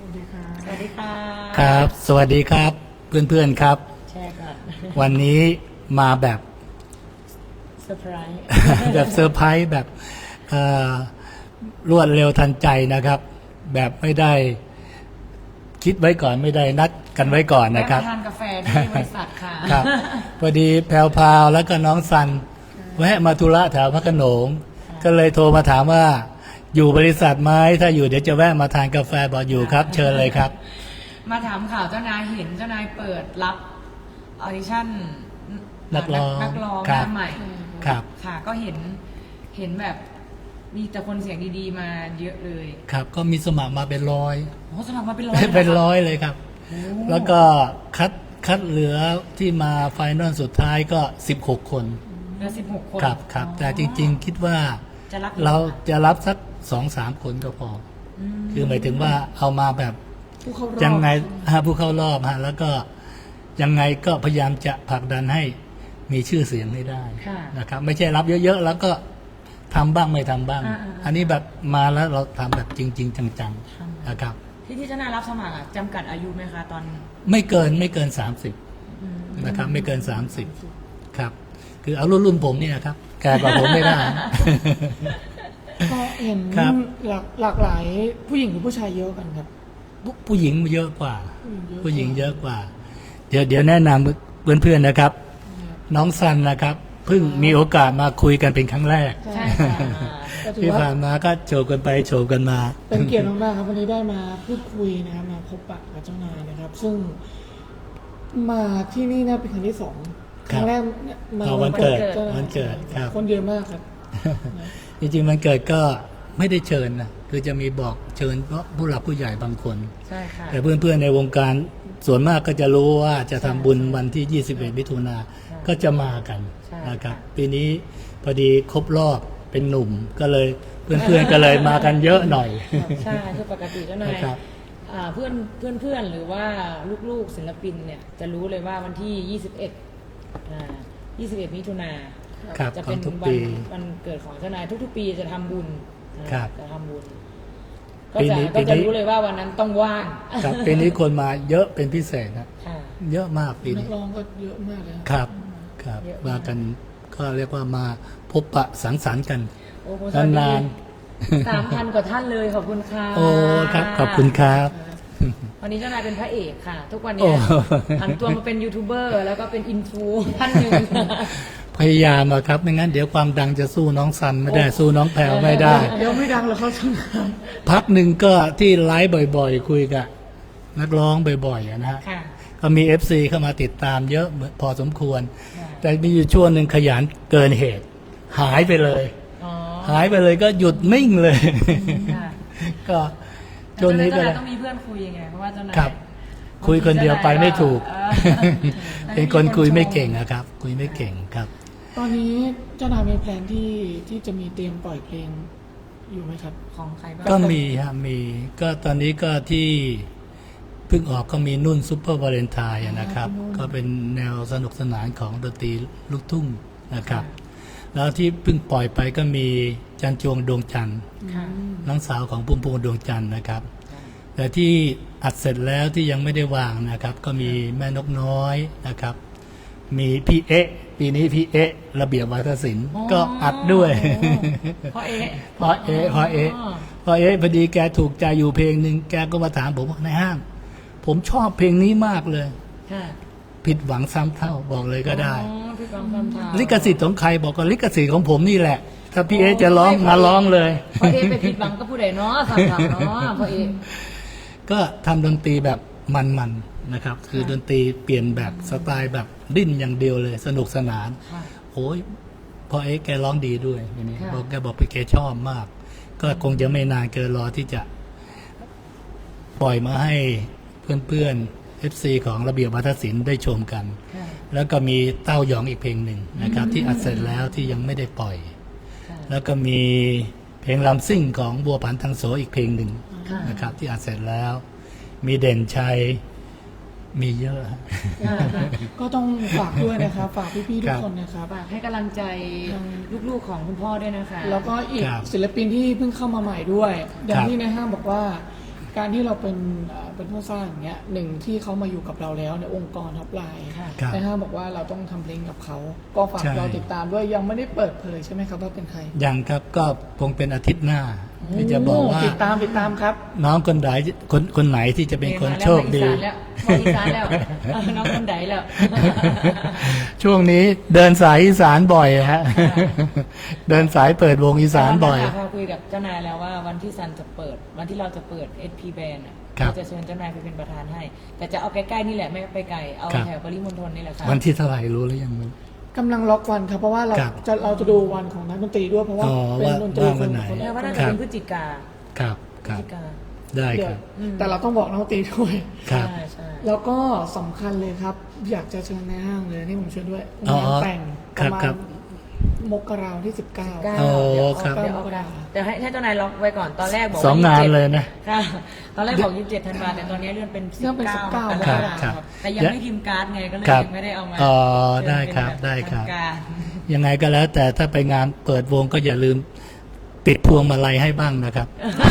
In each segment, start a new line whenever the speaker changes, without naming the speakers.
วัสดีค่ะ
สวัสดีค่ะ
ครับสวัสดีครับเพื่อนๆครับ
ใช่ค่ะ
วันนี้มาแบบ
เซอร์ไพรส์
แบบเซอร์ไพรส์แบบรวดเร็วทันใจนะครับ แบบไม่ได้คิดไว้ก่อนไม่ได้นัดกันไว้ก่อนนะครับ
แวะมาทานกาแฟที่บริษัทค่ะ
ครับพอดีแพรวพราวแล้วก็น้องซันแวะมาธุระแถวพระโขนงก็เลยโทรมาถามว่าอยู่บริษัทไหมถ้าอยู่เดี๋ยวจะแวะมาทานกาแฟบอกอยู่ครับ เชิญเลยครับ
มาถามข่าวเจ้านายเห็นเจ้านายเปิดรับออดิชั่น
นักร้อง
นักร้องห
ครั
น้า
บ
ใหม่
ครับ
ค่ะ ก็เห็นแบบมีแต่คนเสียงดีๆมาเยอะเลย
ครับก็มีสมัครมาเป็นร้อย
โอ้สมัครมาเป็นร้อย
เป็น
หคะ
ร้อยเลยครับ
โอ้
แล้วก็คัดเหลือที่มาไฟนอลสุดท้ายก็16 คน
เหลือ16 คน
ครับแต่จริงๆคิดว่า
จะรับ
เราจะรับสัก2-3 คนก็พอ คือหมายถึงว่าเอามาแบบ
ผู้เข้ารอบ
ยังไงผู้เข้ารอบแล้วก็ยังไงก็พยายามจะผลักดันให้มีชื่อเสียงให้ได้
ค่ะ
นะครับ ไม่ใช่รับเยอะๆแล้วก็ทำบ้างไม่ทำบ้าง อันนี้แบบมาแล้วเราทำแบบจริง ๆ จังๆนะครับ
ที่เจ้านายรับสมัครอะจำกัดอายุไหมคะตอน
ไม่เกิน30นะครับ ไม่เกิน30ครับ คือเอารุ่นผมเนี่ยครับแก่กว่าผมไม่ได้
ก็เห็น
ครับ
หลากหลายผู้หญิงหรือผู้ชายเยอะกันครับ
ผู้หญิงเยอะกว่า
ผู้
ผู้
ห
ห
ญิ
ญิ
ง
ง
เย
เย
อะ
อะกว่า เดี๋ยวแนะนำเพื่อนๆนะครับ น้องซันนะครับเพิ่งมีโอกาสมาคุยกันเป็นครั้งแรก
ใช่ค่ะ
ก็ถือ
ที่
ว่า
ผ่านมาก็โชว์กันไปโชว์กันมา
เป็นเกียรติมากๆครับวันนี้ได้มาพูดคุยนะครับมาพบปะกับเจ้านายนะครับ ซึ่งมาที่นี่น่าเป็นครั้งที่สองครั้งแรกเนี่ยมา
เอาวันเกิด
จ้านาย
วันเกิดครับ
คนเยอะมากครับ
จริงๆมันเกิดก็ไม่ได้เชิญนะคือจะมีบอกเชิญเพราะผู้หลักผู้ใหญ่บางคน
ใช่ค่ะ
แต่เพื่อนๆในวงการส่วนมากก็จะรู้ว่าจะทำบุญวันที่ 21 มิถุนาก็จะมากัน
ใช่
นะครับปีนี้พอดีครบรอบเป็นหนุ่มก็เลยเพื่อนๆก็เลยมากันเยอะหน่อย
ใช่คือปกติเจ้านาย
นะครับ
เพื่อนหรือว่าลูกๆศิลปินเนี่ยจะรู้เลยว่าวันที่ 21 มิถุนา
ครับ
จะเป็น
ของทุก
วั
ปี
วันเกิดของเจ้านายทุกๆ ปีจะทำบุญนะครับ จะทำบุญก็
ปี
จะ
นี้
ก็จะรู้เลยว่าวันนั้นต้องว่าง
ครับปีนี้คนมาเยอะเป็นพิเศษนะ
ค่ะ
เยอะมากปี
นั
นี้
กร้องก็เยอะมากเลยนะครับ
ครับ
เยอะมาก
มากันก็เรียกว่ามาพบปะสังสรรค์กัน
โอ้โหสวัสดี
นาน
3,000 กว่าท่านเลยขอบคุณค่ะ
โอ้ครับขอบคุณครับ
วันนี้เจ้านายเป็นพระเอกค่ะ ทุกวัน
โอ้
นี้ผันตัวมาเป็นยูทูบเบอร์แล้วก็เป็นอินฟูท่านหนึ่ง
พยายามอะครับไม่งั้นเดี๋ยวความดังจะสู้น้องซันไม่ได้สู้น้องแพรวไม่ได้
เดี๋ยวไม่ดังแล้วเขาทำงาน
พักหนึ่งก็ที่ไลฟ์บ่อยๆ คุยกับนักร้องบ่อยๆอะนะฮะ
ค่ะ
ก็มี FC เข้ามาติดตามเยอะพอสมควร
ค่ะ
แต่มีอยู่ช่วงหนึ่งขยันเกินเหตุ หายไปเลย
อ๋อ
หายไปเลยก็หยุดนิ่งเลย
ค่ะ
ก็ช่วงนี้ก็
เจ้า
เล
นาย
ย
ต้องมีเพื่อนคุยยังไงเพราะว่าเจ้านาย
ครับ คุยคนเดียวไปไม่ถูก
เออ
เป็นคนคุยไม่เก่งอะครับ คุยไม่เก่งครับ
ตอนนี้เจ้านายมีแพลนที่จะมีเตรียมปล่อยเพลงอยู่ไหมครับ
ของใครบ้าง
ก็มีฮะมีก็ตอนนี้ก็ที่เพิ่งออกก็มีนุ่นซุปเปอร์วาเลนไทน์นะครับ
พี่นุ่น
ก็เป็นแนวสนุกสนานของดนตรีลูกทุ่งนะครับ แล้วที่เพิ่งปล่อยไปก็มีจันจวงดวงจันทร์
ค่ะ
น้องสาวของพุ่มพวงดวงจันทร์นะครับ แต่ที่อัดเสร็จแล้วที่ยังไม่ได้วางนะครับ ก็มีแม่นกน้อยนะครับ มีพี่เอ๊ะปีนี้พี่เอ๊ะระเบียบวาทศิลป์ก็อัดด้วย
เพราะเอ๊ะ
พอเอ๊ะพอเอ๊ะพอดีแกถูกใจอยู่เพลงหนึ่งแกก็มาถามผมว่าในห้าง ผมชอบเพลงนี้มากเลย
ค่ะ
ผิดหวังซ้ำเท่าบอกเลยก็ได้
อ๋อพี่กองคำถาม
ลิขสิทธิ์ของใครบอกก็ลิขสิทธิ์ของผมนี่แหละ ถ้าพี่เอ๊ะจะร้องมาร้องเลย
เพราะเอ๊ะไปผิดหวังก็ผู้ใดเนาะสามถามเนาะเพราะเอ๊ะ
ก็ทำดนตรีแบบมันๆนะครับ คือดนตรีเปลี่ยนแบบสไตล์แบบดิ้นอย่างเดียวเลย สนุกสนาน
ค่ะ
โอ้ยพอเอ๊ะแกร้องดีด้วยทีนี้
ค่ะ
บอกแกบอกไปแกชอบมาก ก็คงจะไม่นานเกินรอที่จะปล่อยมาให้เพื่อนๆ FC ของระเบียบวัฒนศิลป์ได้ชมกัน
ค่ะ
แล้วก็มีเต้าหยองอีกเพลงหนึ่งนะครับ ที่อัดเสร็จแล้วที่ยังไม่ได้ปล่อย
ค่ะ
แล้วก็มีเพลงลำซิ่งของบัวผันทางโสอีกเพลงหนึ่ง
ค่ะ
นะครับ ที่อัดเสร็จแล้ว มีเด่นชัยมีเยอะ
ก็ต้องฝากด้วยนะครับ ฝากพี่ๆทุ
ครั
ก
บ
คนนะครับ
ฝากให้กำลังใจลูกๆของคุณพ่อด้วยนะคะ
แล้วก็อีก
ครับ
ศิลปินที่เพิ่งเข้ามาใหม่ด้วย อย่าง
ครับ
ที่ในห้างบอกว่าการที่เราเป็นผู้สร้างอย่างเงี้ยหนึ่งที่เขามาอยู่กับเราแล้วในองค์กรท็อปไลน์
ค่ะ
ครับ
ในห้างบอกว่าเราต้องทำเพลงกับเขา ก็ฝาก
ใช่
เราติดตามด้วยยังไม่ได้เปิดเผยใช่ไหมครับว่าเป็นใคร
ยังครับก็คงเป็นอาทิตย์หน้าที่จะบอกว่า
ติดตามครับ
น้องคนไหนที่จะเป็นคนโชคดี
มาอีสานแล้วน้องคนใดแล้ว
ช่วงนี้เดินสายอีสานบ่อยฮะ เดินสายเปิดวงอีสานบ่อย
พอคุยกับเจ้านายแล้วว่าวันที่ซันจะเปิด วันที่เราจะเปิด SP Band อ่ะ
ครับ
เราจะเชิญเจ้านายไปเป็นประธานให้ แต่จะเอาใกล้ๆนี่แหละไม่ไปไกลเอา
ครับ
แถวปริมณฑลนี่แหละค่ะ
วันที่เท่าไหร่รู้หรือยังมึง
กำลังล็อกวันครับเพราะว่าเรา
ครับ
จะดูวันของนักดนตรีด้วยเพราะว่า
อ๋อ
เป็นดนตรี
ว่าวันไหน
คน
แล้วว่าน่า
ค
จะ
น
เป็นพฤศจิกา
ครับค
พฤ
รั
ศ
บ
จิกา
ได้
เดี๋
ค
ยว
รับ
แต่เราต้องบอกนักดนตรีด้วย
ครับ
ใช่ใช่
แล้วก็สำคัญเลยครับ อยากจะเชิญในห้างเลยนี่ผมเชิญด้วย
อ๋อง
านแต่ง
ค
ป
รับ
ระมา
ครั
ณ
บ
มกราวันที่ 19
9
โอ้
เดี๋ยว
ครับ
เดี๋ยวเอากระดาษเดี๋ยวให้เจ้านายล็อกไว้ก่อนตอนแรกบอก
สองงานเลยนะ
ค่ะ ตอนแรกบอก27ธันวาแต่ตอนนี้เลื่อนเป็น
เรื่องเป็น
19
19
ก
ม
ร
ก
ก
รา
ฎา
ค
ค
รั
ม
บ
แต่ยังไม่พิมพ์การ์ดไงก็เลย
ครับ
ยังไม่ได้เอามา
อ๋อ
เชิญ
ได้
เป็น
ครับ
แ
ได้ครับ
ทางการ
ยังไงก็แล้ว แต่ถ้าไปงานเปิดวงก็อย่าลืมติดพวงมาลัยให้บ้างนะครับ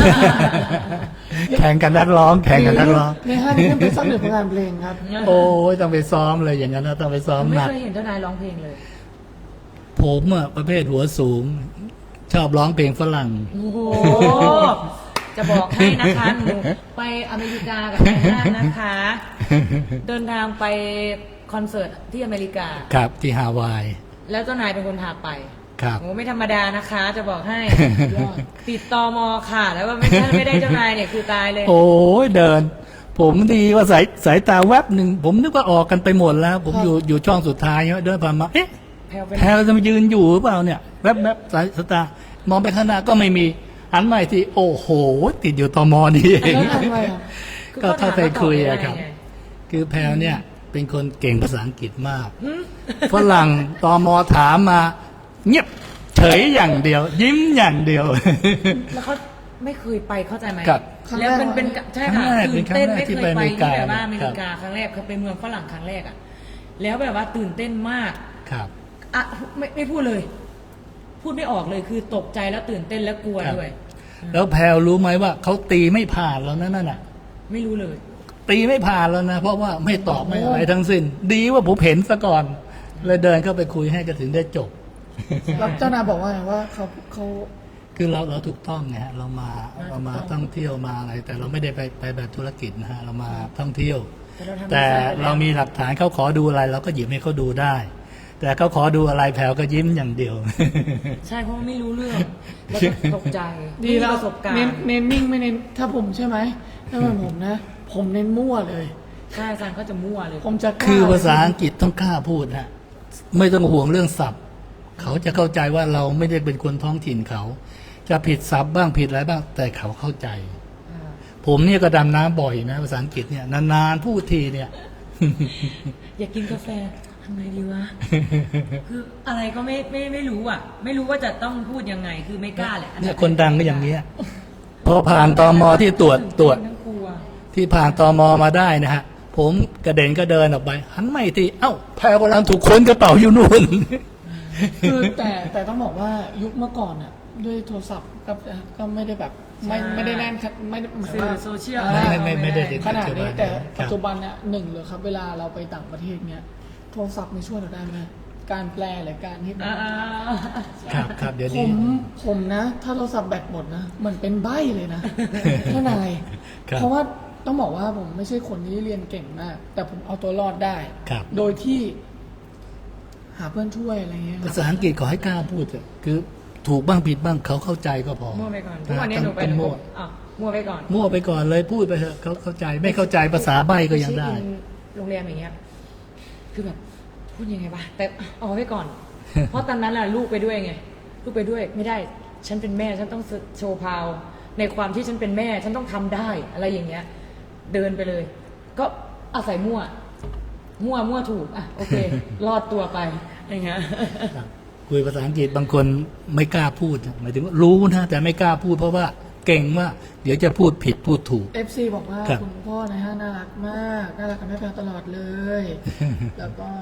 แข่งกันนักร้อง แข่งกันนักร้อง
ในห้างนี่เป็นสักหนึ่งผลงานเพลงครับ
โอ้ยต้องไปซ้อมเลยอย่างนั้นนะต้องไปซ้อม
ไม่
หนัก
เคยเห็นเจ้านายร้องเพลงเลย
ผมอะประเภทหัวสูง ชอบร้องเพลงฝรั่ง
โอ้โห จะบอกให้นะคะหนูไปอเมริกากับนายห้างนะคะ เดินทางไปคอนเสิร์ตที่อเมริกา
ครับที่ฮาวาย
แล้วเจ้านายเป็นคนพาไป
ครับ
โอ้ไม่ธรรมดานะคะ จะบอกให้ ติดตอมอค่ะ แล้วก็ไม่ได้เจ้านายเนี่ยคือตายเลย
โอ้ยเดิน ผมดีว่าสายตาแวบหนึ่งผมนึกว่าออกกันไปหมดแล้ว ผมอยู่ช่องสุดท้ายเดินผ่านมาเอ๊ะ
แพลวเป็น
แพรจะมายืนอยู่หรือเปล่าเนี่ยแวบๆสายตามองไปข้างหน้าก็ไม่มีหันมาอีกทีโอ้โห ติดอยู่ตมนี่เอง
แล้วทำไมอ่ะ
ก็ถ้าไปคุยอะครับ
ไง
คือแพรเนี่ยเป็นคนเก่งภาษาอังกฤษมากฝรั่งตมถามมา เงียบเฉยอย่างเดียว ยิ้มอย่างเดียว
แล้วเขาไม่เคยไปเข้าใจไหม
ครับ
แล้วเป็นใช่ค่ะ
ครั้งแรก
ตื่นเต้น
เป็นครั้งแรก
ไม่
ที่
เค
ไป
ย
อ
ไป
เมริ
ที่
กา
แบบว่าอเม
ครั
ริ
บ
กาครั้งแรกเขาไปเมืองฝรั่งครั้งแรกอ่ะแล้วแบบว่าตื่นเต้นมาก
ครับ
อ่ะไม่พูดเลย พูดไม่ออกเลยคือตกใจแล้วตื่นเต้นแล้วกลัว
ครับ
ด้วย
แล้วแพรรู้ไหมว่าเขาตีไม่ผ่านแล้วนั่นน่ะ
ไม่รู้เลย
ตีไม่ผ่านแล้วนะ เพราะว่าไม่ตอบไม่อะไรทั้งสิ้น ดีว่าผมเห็นซะก่อน เลยเดินเข้าไปคุยให้ก็ถึงได้จบ
แล้วเจ้านายบอกว่าไงว่าเขา
คือเราถูกต้องไงฮะเรามาท่องเที่ยวมาอะไร แต่เราไม่ได้ไปแบบธุรกิจนะฮะเรามาท่องเที่ยว แต่เรามีหลักฐานเขาขอดูอะไร เราก็หยิบให้เขาดูได้ แต่เขาขอดูอะไรแผวก็ยิ้มอย่างเดียว
ใช่เพราะว่าไม่รู้เรื่องแล้วก็ตกใจ
ดี
ไม่มี
แล้ว
ประสบการ
เน้น
ณ์
เน้นนิ่งไม่เน้นถ้าผมใช่ไหมถ้าเป็นผมนะ ผมเน้นมั่วเลย
ใช่อาจารย์เขาจะมั่วเลย
ผมจะกล้
คือภาษาอังกฤษต้องกล้าพูดฮะไม่ต้องห่วงเรื่องศัพท์ เขาจะเข้าใจว่าเราไม่ได้เป็นคนท้องถิ่นเขา จะผิดศัพท์บ้างผิดอะไรบ้าง แต่เขาเข้าใจ ผมเนี่ยก็ดำน้ำบ่อยนะภาษาอังกฤษเนี่ยนานๆพูดทีเนี่ย
อยากกินกาแฟทำไงดีวะ คืออะไรก็ไม่รู้อ่ะ ไม่รู้ว่าจะต้องพูดยังไง คือไม่กล้าแหละ
เนี่ยคนดังก็อย่างเนี้ยพอผ่านตมที่ตรวจ
ทั้งกลัว
ที่ผ่านตมมาได้นะฮะ ผมกระเด็นก็เดินออกไปหันไม่ทีเอ้าแพรกำลังถูกค้นกระเป๋าอยู่นู่น
คือแต่ต้องบอกว่ายุคเมื่อก่อนอ่ะด้วยโทรศัพท์ก็ไม่ได้แบบไม่ได้แน่นครับไม่ได้หมาย
สื่อ
ว่า
โซเชียล
ไม่ได้ติด
ขนาดนี้แต่
ครับ
ปัจจุบันเนี่ยหนึ่งเลยครับ เวลาเราไปต่างประเทศเนี่ยโทรศัพท์มีช่วยเราได้ไหมการแปลหรือการที่
ครับเดี๋ยว
ผ
นี้
มนะ ถ้าโทรศัพท์แบตหมดนะเหมือนเป็นใบ้เลยนะ ท่านาย
ครับ
เพราะว่าต้องบอกว่าผมไม่ใช่คนที่เรียนเก่งมาก แต่ผมเอาตัวรอดได้
ครับ
โดยที่ หาเพื่อนช่วยอะไรเงี้ยค
ภา
รับ
ษาอังกฤษขอให้กล้าพูดเถอะคือถูกบ้างผิดบ้างเขาเข้าใจก็พอ
มั่วไปก่อนทุกวันนี้หนูไป
ต้อง
หนู
มั่ว
อ่ะมั่วไปก่อน
มั่วไปก่อนเลยพูดไปเถอะเขาเข้าใจไม่เข้าใจภาษาใบ้ก็ยังได้
เช็คอินโรงแรมอย่างเงี้ย คือแบบพูดยังไงวะแต่เอาไว้ก่อน เพราะตอนนั้นน่ะลูกไปด้วยไง ลูกไปด้วยไม่ได้ ฉันเป็นแม่ ฉันต้องโชว์พาว ในความที่ฉันเป็นแม่ ฉันต้องทำได้อะไรอย่างเงี้ย เดินไปเลย ก็อาศัยมั่วถูกอ่ะโอเค รอดตัวไปอย่างเงี้ย
ครับคุยภาษาอังกฤษบางคนไม่กล้าพูดหมายถึงว่ารู้นะแต่ไม่กล้าพูดเพราะว่าเก่งว่าเดี๋ยวจะพูดผิดพูดถูก
FC บอกว่า
ครับ
คุณพ่อนะฮะน่ารักมาก น่ารักกับแม่แพรตลอดเลย แล้วก็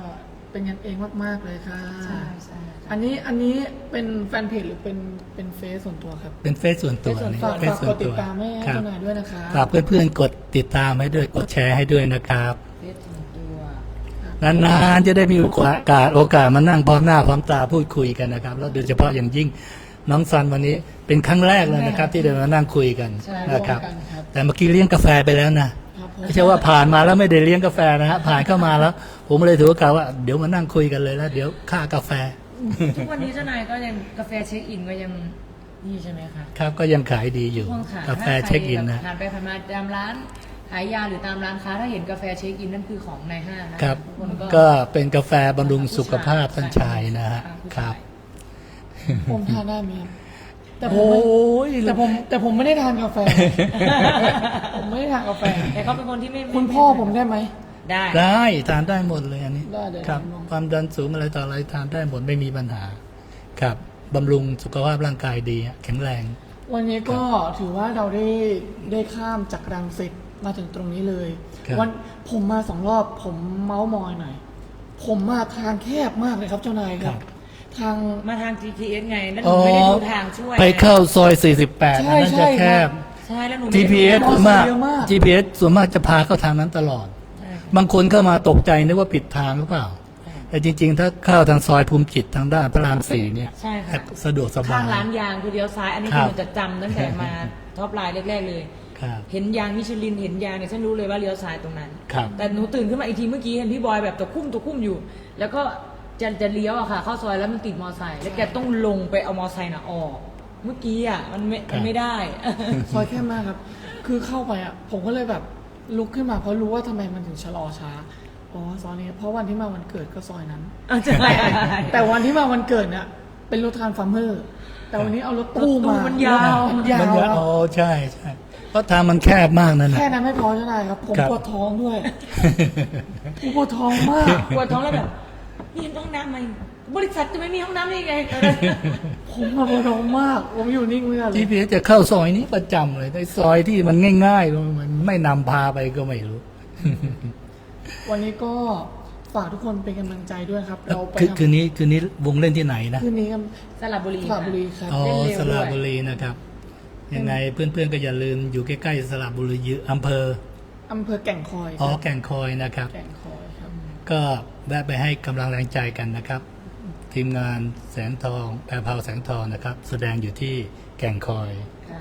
เป็นกันเองมากๆเลยค่ะ
ใช่ใช่
อันนี้เป็นแฟนเพจหรือเป็นเฟซส่วนตัวครับ
เป็นเฟซส่วนตัวนี่
ฝาก
เฟซส่ว
ก
น
ดติ
ตั
ด
ว
ตามให้
ครับ
เจ้านายด้วยนะคะ
ฝากเพื่อนๆกดติดตามให้ด้วยกดแชร์ให้ด้วยนะครับ
เฟซส่วนตัว
นานๆจะได้มีโอกาสมานั่งพร้อมหน้าพร้อมตาพูดคุยกันนะครับแล้วโดยเฉพาะอย่างยิ่งน้องซันวันนี้เป็นครั้งแรกเลยนะครับ ที่ได้มานั่งคุยกันนะครับ แต่เมื่อกี้เลี้ยงกาแฟไปแล้วนะครับ
ผม
ไม่ใช่ว่าผ่านมาแล้วไม่ได้เลี้ยงกาแฟนะฮะผ่านเข้ามาแล้ว ผมเลยถือโอกาสว่าเดี๋ยวมานั่งคุยกันเลยแล้วเดี๋ยวค่ากาแฟ
ทุกวันนี้เจ้านายก็ยังกาแฟเช็คอินก็ยังนี่ใช่ไหมคะ
ครับก็ยังขายดีอยู่
ช่วงขาย
กาแฟเช็คอินนะ
ผ่านไปผ่านมาตามร้านขายยาหรือตามร้านค้าถ้าเห็นกาแฟเช็คอินนั่นคือของในห้างนะครับ ทุกคน
ก็เป็นกาแฟบำรุงสุขภาพท่านชายนะฮะครับ
ผมทานได้ไหมครับแต่ผ
โอ้
มไม่
ย
แต่ผมไม่ได้ทานกาแฟ ผมไม่ได้ทานกาแฟ
แต่เขาเป็นคนที่ไม่
คุณพ่อผมได้ไหม
ได้
ได้ทานได้หมดเลยอันนี้
ได้เดี๋ยว
ครับ
ลอง
ความดันสูงอะไรต่ออะไรทานได้หมดไม่มีปัญหาครับบำรุงสุขภาพร่างกายดีแข็งแรง
วันนี้ก็ถือว่าเราได้ข้ามจากรังสิตมาถึงตรงนี้เลย
ครับ
วันผมมา2 รอบผมเมาส์มอยหน่อย ผมมาทางแคบมากเลยครับเจ้านายครับ ทาง
มาทาง GPS ไงแล้วหนูไม่ได้ดูทางช่วย
ไปเข้าซอย 48
ใช่
อันนั้นจะแคบ
ใช่แล้วหนูไม่ได้
GPS
มอ
ส่วน
ไซค์
มาก
เยอะมาก
GPS ส่วนมากจะพาเข้าทางนั้นตลอด
ใช่
บางคนเข้ามาตกใจนึกว่าผิดทางหรือเปล่า แต่จริง ๆ ถ้าเข้าทางซอยภูมิจิตทางด้านพระราม4เนี่ย
ใช่ค่ะ
สะดวกสบา
ข้าง
ย
ร้านยางคือเลี้ยวซ้าย อันนี้
ครั
คื
บ
อจะจำตั้งแต่มาท็อปไลน์แรกๆเลย
ครับ
เห็นยางมิชลินเห็นยางเนี่ยฉันรู้เลยว่าเลี้ยวซ้ายตรงนั้น
ครับ
แต่หนูตื่นขึ้นมาอีกทีเมื่อกี้เห็นพี่บอยแบบตะคุ่มอยู่ แล้วก็จะเลี้ยวอะค่ะเข้าซอยแล้วมันติดมอไซค์แล้วแกต้องลงไปเอามอไซค์น่ะออก เมื่อกี้อะมันไม่ได้
ซอยแคบมากครับ คือเข้าไปอ่ะ ผมก็เลยแบบลุกขึ้นมาเพราะรู้ว่าทำไมมันถึงชะลอช้า อ๋อซอยนี้ เพราะวันที่มาวันเกิดก็ซอยนั้น
ใช่
แต่วันที่มาวันเกิดเนี่ยเป็นรถทรานส์ฟาร์มเมอร์ แต่วันนี้เอารถตู้
รถตู้
มา
มันยาว
มันยา
มัน
ว
จะอ๋อใช่ใช่เพราะทางมันแคบมากนั่นนะ
แค่นั้นไม่พอใช่ไหมครับ ผม
ครับ
ปวดท้องด้วยผมปวดท้องมาก
ปวดท้องแล้วแบบมีห้องน้ำไหมบริษัทจะไม่มีห้องน้ำได้ไง
ผมมาปวดท้องมาก ผมอยู่นิ่งไม่ได้เลย
GPS จะเข้าซอยนี้ประจำเลยในซอยที่มันง่ายๆมันไม่นำพาไปก็ไม่รู้
วันนี้ก็ฝากทุกคนเป็นกำลังใจด้วยครับ เราไป
คืนนี้วงเล่นที่ไหนนะ
คืนนี้กัน
สระบุรี
สระบุรีครับ
อ๋อ
เล่นเร็ว
สระ
ด้วย
บุรีนะครับ ยังไงเพื่อนๆก็อย่าลืมอยู่ใกล้ๆสระบุรีอยู่อำเภอ
อำเภอแก่งคอยค
อ๋อ
รับ
แก่งคอยนะครับ
แก่งคอยครับ
ก็แวะไปให้กำลังแรงใจกันนะครับ ทีมงานแสงทองแพรพราวแสงทองนะครับ แสดงอยู่ที่แก่งคอย
ค่ะ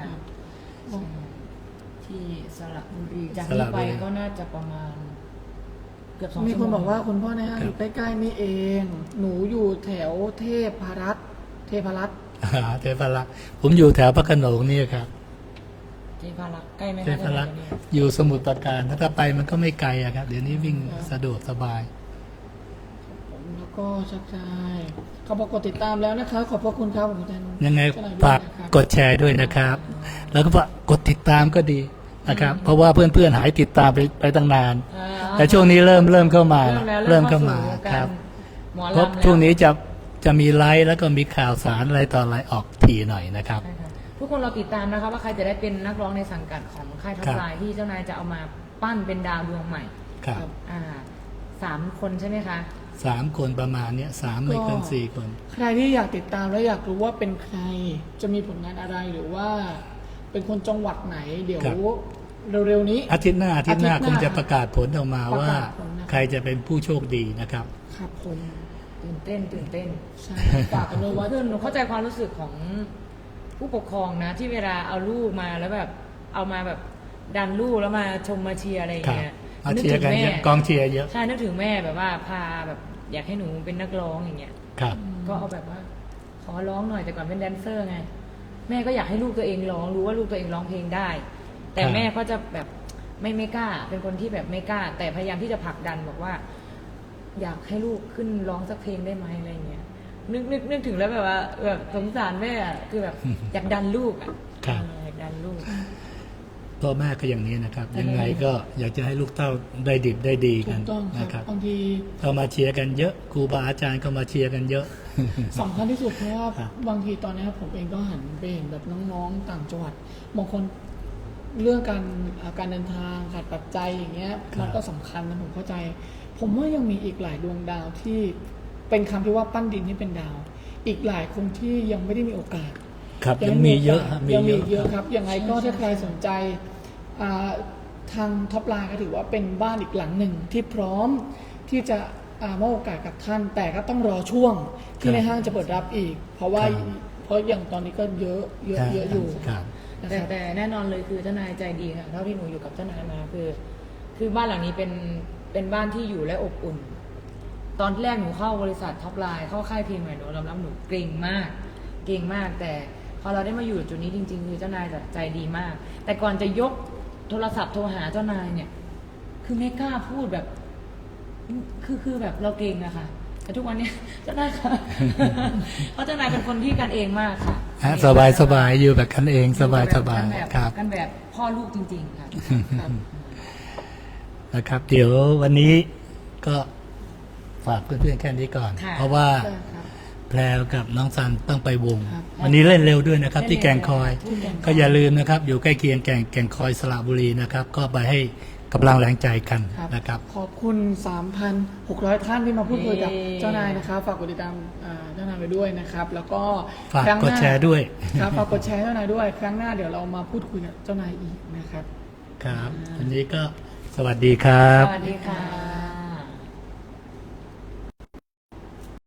ที่สระบุรีจาก
สระ
นี้
บุ
ไป
รี
ก็น่าจะประมาณ เกือบ2
มี
ชั่ว
ค
โม
น
ง
บอกว่าคุณพ่อในห้างอยู่ใกล้ๆนี่เอง หนูอยู่แถวเทพรัตน์เทพรัตน์
เทพรักษ์ผมอยู่แถวพระโขนงนี่ครับ
เทพารักษ์ใกล้ไหม
เท
คะ
พรักษ์
เดี๋ยวนี้
อยู่สมุทรปราการถ้าไปมันก็ไม่ไกลอะครับ เดี๋ยวนี้วิ่งสะดวกสบาย
ผมแล้วก็ชักชายเขาบอกกดติดตามแล้วนะคะขอบพระคุณครับผมแทน
ยังไง
เจ้นยด้วย
ฝาก
นะครับ
กดแชร์ด้วยนะครับ แล้วก็ฝากกดติดตามก็ดีนะครับ เพราะว่าเพื่อนๆหายติดตามไปตั้งนาน
อ่า
แต่ช่วงนี้เริ่มเข้ามา
เริ่ม
เข้ามา
สู่วงก
ครับ
หมอ
เพราะ
ลำแล้ว
ช่วงนี้จะมีไลฟ์แล้วก็มีข่าวสารอะไรต่ออะไรออกทีหน่อยนะครับ
ใช่ค่ะทุกคนเราติดตามนะคะว่าใครจะได้เป็นนักร้องในสังกัดของค่ายท็อ
ครั
ป
บ
ไลน์ที่เจ้านายจะเอามาปั้นเป็นดาวดวงใหม่
ครับ
3 คนใช่ไหมคะ
3 คนประมาณเนี้ย3ไม่เกิน4 คน
ใครที่อยากติดตามและอยากรู้ว่าเป็นใคร จะมีผลงานอะไรหรือว่า เป็นคนจังหวัดไหน เดี๋ยว
ครับ
เร็วๆนี้
อาทิตย์หน้า
อาทิตย์หน้า
คงจะประกาศผลออกมา
ประ
ว่า
กาศผลนะครับ
ใครจะเป็นผู้โชคดีนะครับ
ครับผม
ตื่นเต้น
ใช่ฝากกันเลยว่า
คือหนูเข้าใจความรู้สึกของผู้ปกครองนะ ที่เวลาเอาลูกมาแล้วแบบเอามาแบบดันลูกแล้วมาชมมาเชียร์อะไรอย่าง
ครับ
เงี้ย
มาเชียร์กันเยอะกองเชียร์เยอะ
ใช่นึกถึงแม่แบบว่าพาแบบอยากให้หนูเป็นนักร้องอย่างเงี้ย
ครับ
ก็เอาแบบว่าขอร้องหน่อยแต่ก่อนเป็นแดนเซอร์ไง แม่ก็อยากให้ลูกตัวเองร้องรู้ว่าลูกตัวเองร้องเพลงได้ แต่
ครับ
แม่ก็จะแบบไม่กล้า เป็นคนที่แบบไม่กล้า แต่พยายามที่จะผลักดันบอกว่า อยากให้ลูกขึ้นร้องสักเพลงได้ไหมอะไรเงี้ยนึกถึงแล้วแบบว่าแบบสงสารแม่อะคือแบบ อยากดันลูกอ่ะ
ครับ
อยากดันลูก
พ่อแม่ก็อย่างนี้นะครับ ยังไงก็อยากจะให้ลูกเต้าได้ดิบได้ดี
ถู
กัน
กต้องค
นะค
รั
รั
บบ างที
เข้ามาเชียร์กันเยอะครูบาอาจารย์ก็มาเชียร์กันเยอะ
สำคัญที่สุดเพราะว่า
ครับ
บางทีตอนนี้ผมเองก็หันไปเห็นแบบน้องๆต่างจังหวัดบางคนเรื่องการเดินทางขาดปัจจัยอย่างเงี้ยมันก็สำคัญนะผมเข้าใจ ผมว่ายังมีอีกหลายดวงดาวที่เป็นคำที่ว่าปั้นดินให้เป็นดาว อีกหลายคนที่ยังไม่ได้มีโอกาส
ครับยังมีเยอะฮะ
ยังมีเยอะ
ค
ครับ รับยังไงก็ถ้าใครสนใจทางท็อปไลน์ก็ถือว่าเป็นบ้านอีกหลังหนึ่งที่พร้อมที่จะมอบโอกาสกับท่าน แต่ก็ต้องรอช่วงที่ในห้างจะเปิดรับอีก เพราะว่า
ครับ
เพราะอย่างตอนนี้ก็เยอะอยู่
ครับ
นะครับ
แต่แน่นอนเลยคือเจ้านายใจดีค่ะเท่าที่หนูอยู่กับเจ้านายมาคือบ้านหลังนี้เป็นบ้านที่อยู่และอบอุ่น ตอนแรกหนูเข้าบริษัทท็อปไลน์เข้าค่ายเพลงใหม่หนูรับหนูเกรงมาก แต่พอเราได้มาอยู่จุดนี้จริงๆคือเจ้านายใจดีมาก แต่ก่อนจะยกโทรศัพท์โทรหาเจ้านายเนี่ย คือไม่กล้าพูดแบบ คือแบบเราเกรงอะค่ะ แต่ทุกวันเนี้ยเจ้านายค่ะ เพราะเจ้านายเป็นคนที่กันเองมากค่ะ
สบายอยู่แบบกันเองสบาย ครับ
กันแบบพ่อลูกจริงๆค่ะครับ
นะครับ เดี๋ยววันนี้ก็ฝากเพื่อนๆแค่นี้ก่อน
ค่ะ
เพราะว่า
ใช่ครับ
แพรวกับน้องซันต้องไปวง
ครับ
วันนี้เล่นเร็วด้วยนะครับ ที่แก่งคอย
ที่แก่งคอย
ก็อย่าลืมนะครับ อยู่ใกล้เคียงแก่งคอยสระบุรีนะครับ ก็ไปให้กำลังแรงใจกัน
ครับ
นะครับ
ขอบคุณ 3,600 ท่านที่มาพูดคุยกับ
เย้
เจ้านายนะครับฝากกดติดตามเจ้านายไปด้วยนะครับ แล้วก็
ฝาก
ครั้งห
ก
น้
ดแชร์ด้วย
ครับฝากกดแชร์เจ้านายด้วย ครั้งหน้าเดี๋ยวเรามาพูดคุยกับเจ้านายอีกนะครับ
ครับ วันนี้ก็สวัสดีครับ
สวัสดีค่ะ